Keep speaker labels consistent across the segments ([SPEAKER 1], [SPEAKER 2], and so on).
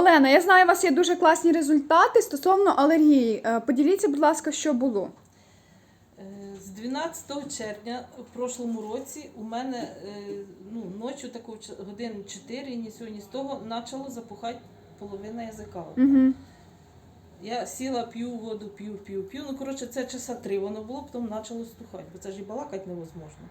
[SPEAKER 1] Олена, я знаю, у вас є дуже класні результати стосовно алергії. Поділіться, будь ласка, що було.
[SPEAKER 2] З 12 червня в прошлому році у мене ночі такого годин 4, ні сьогодні, ні з того, почало запухати половина язика.
[SPEAKER 1] Угу.
[SPEAKER 2] Я сіла, п'ю воду, п'ю. Ну, коротше, це часа 3 воно було, потім почало стухати, бо це ж і балакати невозможно.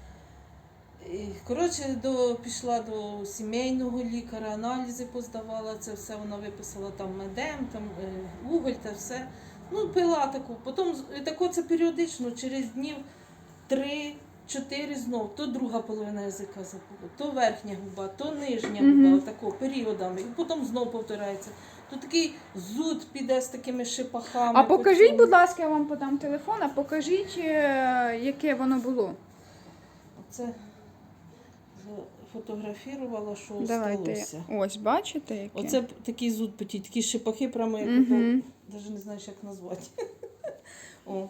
[SPEAKER 2] І, коротше, пішла до сімейного лікаря, аналізи поздавала, це все вона виписала, там медем, там уголь та все. Ну, пила таку. Потім тако це періодично, через днів 3-4 знов. То друга половина язика запухла, то верхня губа, то нижня губа, отако, періодами. І потім знов повторяється. То такий зуд піде з такими шипахами.
[SPEAKER 1] А покажіть, будь ласка, я вам подам телефон, а покажіть, яке воно було.
[SPEAKER 2] Це фотографувала, що
[SPEAKER 1] Давайте.
[SPEAKER 2] сталося.
[SPEAKER 1] Ось, бачите, яке?
[SPEAKER 2] Оце такий зуд потій, такі шипахи, прямо як навіть не знаєш, як назвати. О.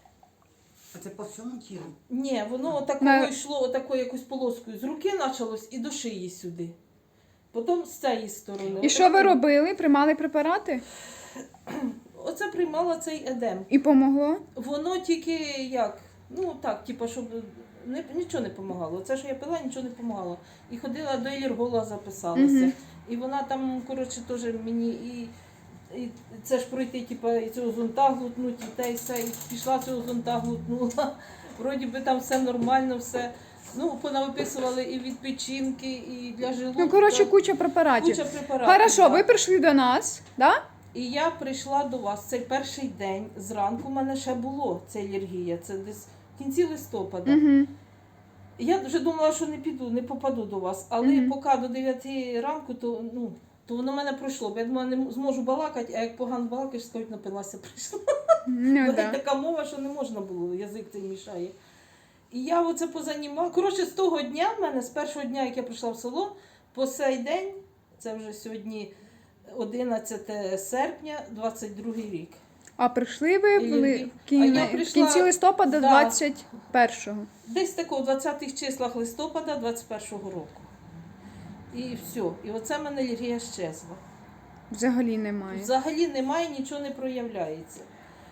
[SPEAKER 3] А це по всьому тілу?
[SPEAKER 2] Ні, воно отакого йшло, отакою якоюсь полоскою. З руки почалось і до шиї сюди. Потім з цієї сторони.
[SPEAKER 1] І що ви робили? Приймали препарати?
[SPEAKER 2] Оце приймала цей едем.
[SPEAKER 1] І помогло?
[SPEAKER 2] Воно тільки як, ну так, типу, щоб нічого не допомагало. Це, що я пила, нічого не допомагало. І ходила до алерголога, записалася. І вона там, коротше, теж мені і це ж пройти, типу, і цього зонта глутнуть, і те, і все, і пішла цього зонта глутнула. Вроді би там все нормально, все. Ну, понавиписували і від печінки, і для желудка.
[SPEAKER 1] Ну, коротше, куча препаратів.
[SPEAKER 2] Куча препаратів.
[SPEAKER 1] Хорошо,
[SPEAKER 2] так.
[SPEAKER 1] ви прийшли до нас, да?
[SPEAKER 2] І я прийшла до вас цей перший день, зранку в мене ще було ця алергія, це десь в кінці листопада.
[SPEAKER 1] Угу.
[SPEAKER 2] Я вже думала, що не попаду до вас, але поки до 9 ранку, то воно в мене пройшло, бо я думала, не зможу балакати, а як погано балакаєш, скажуть, напилася, прийшла.
[SPEAKER 1] Ну, да.
[SPEAKER 2] Така мова, що не можна було, язик цей мішає. І я оце позанімала. Коротше, з того дня в мене, з першого дня, як я прийшла в село, по сей день, це вже сьогодні 11 серпня, 22 рік.
[SPEAKER 1] А прийшли ви були в
[SPEAKER 2] я прийшла-
[SPEAKER 1] кінці листопада
[SPEAKER 2] Да.
[SPEAKER 1] 21-го.
[SPEAKER 2] Десь такого, в 20-х числах листопада 21-го року. І все. І оце в мене алергія щезла.
[SPEAKER 1] Взагалі немає.
[SPEAKER 2] Взагалі немає, нічого не проявляється.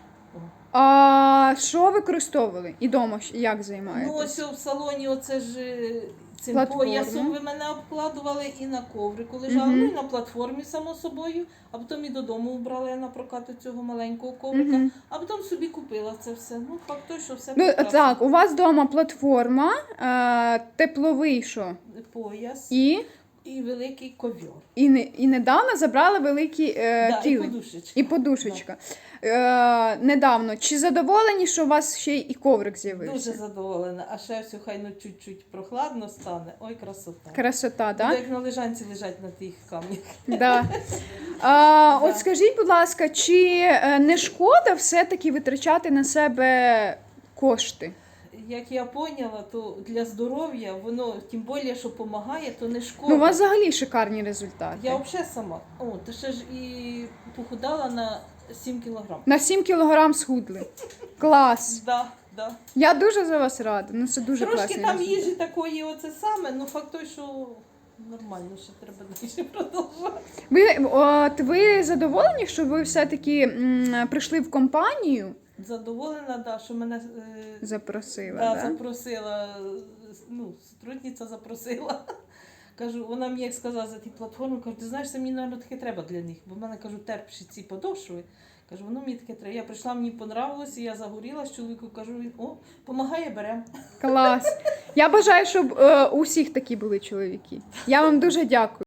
[SPEAKER 1] А що використовували? І дома як
[SPEAKER 2] Ну,
[SPEAKER 1] займаєтесь?
[SPEAKER 2] ось в салоні оце ж цим
[SPEAKER 1] Платформа.
[SPEAKER 2] поясом ви мене обкладували і на коврику лежала, ну і на платформі, само собою, а потім і додому вбрала я на прокат цього маленького коврика, а потім собі купила це все. Ну, факт той, що все
[SPEAKER 1] Ну,
[SPEAKER 2] прекрасно.
[SPEAKER 1] так, у вас вдома платформа, тепловий що?
[SPEAKER 2] Пояс
[SPEAKER 1] І
[SPEAKER 2] великий ковьор.
[SPEAKER 1] І недавно забрали великий
[SPEAKER 2] Да, і
[SPEAKER 1] килим.
[SPEAKER 2] подушечка.
[SPEAKER 1] І подушечка. Недавно. Чи задоволені, що у вас ще й коврик з'явився?
[SPEAKER 2] Дуже задоволена. А ще все хай ну чуть-чуть прохладно стане. Ой, красота.
[SPEAKER 1] Красота,
[SPEAKER 2] Буде
[SPEAKER 1] так?
[SPEAKER 2] як на лежанці лежать на тих камнях.
[SPEAKER 1] Да. От скажіть, будь ласка, чи не шкода все-таки витрачати на себе кошти?
[SPEAKER 2] Як я поняла, то для здоров'я воно, тим більше, що допомагає, то не шкода.
[SPEAKER 1] Ну, у вас взагалі шикарні результати.
[SPEAKER 2] Я взагалі сама. Ти ще ж і похудала на 7 кілограм.
[SPEAKER 1] На 7 кілограм схудли. Клас.
[SPEAKER 2] Да.
[SPEAKER 1] Я дуже за вас рада. Ну, це дуже
[SPEAKER 2] Трошки
[SPEAKER 1] класний
[SPEAKER 2] там
[SPEAKER 1] результат.
[SPEAKER 2] їжі такої, оце саме, ну факт той, що нормально, ще треба далі продовжувати.
[SPEAKER 1] Ви задоволені, що ви все-таки прийшли в компанію?
[SPEAKER 2] Задоволена, да, що мене
[SPEAKER 1] Запросила,
[SPEAKER 2] да,
[SPEAKER 1] да?
[SPEAKER 2] запросила, сотрудниця запросила. Кажу, вона мені як сказала за ті платформи, кажу, ти знаєш, це мені, мабуть, таке треба для них. Бо в мене, кажу, терпші ці подошви. Кажу, воно мені таке треба. Я прийшла, мені понравилося, я загорілась, чоловіку кажу, він, помагає, беремо.
[SPEAKER 1] Клас. Я бажаю, щоб у всіх такі були чоловіки. Я вам дуже дякую.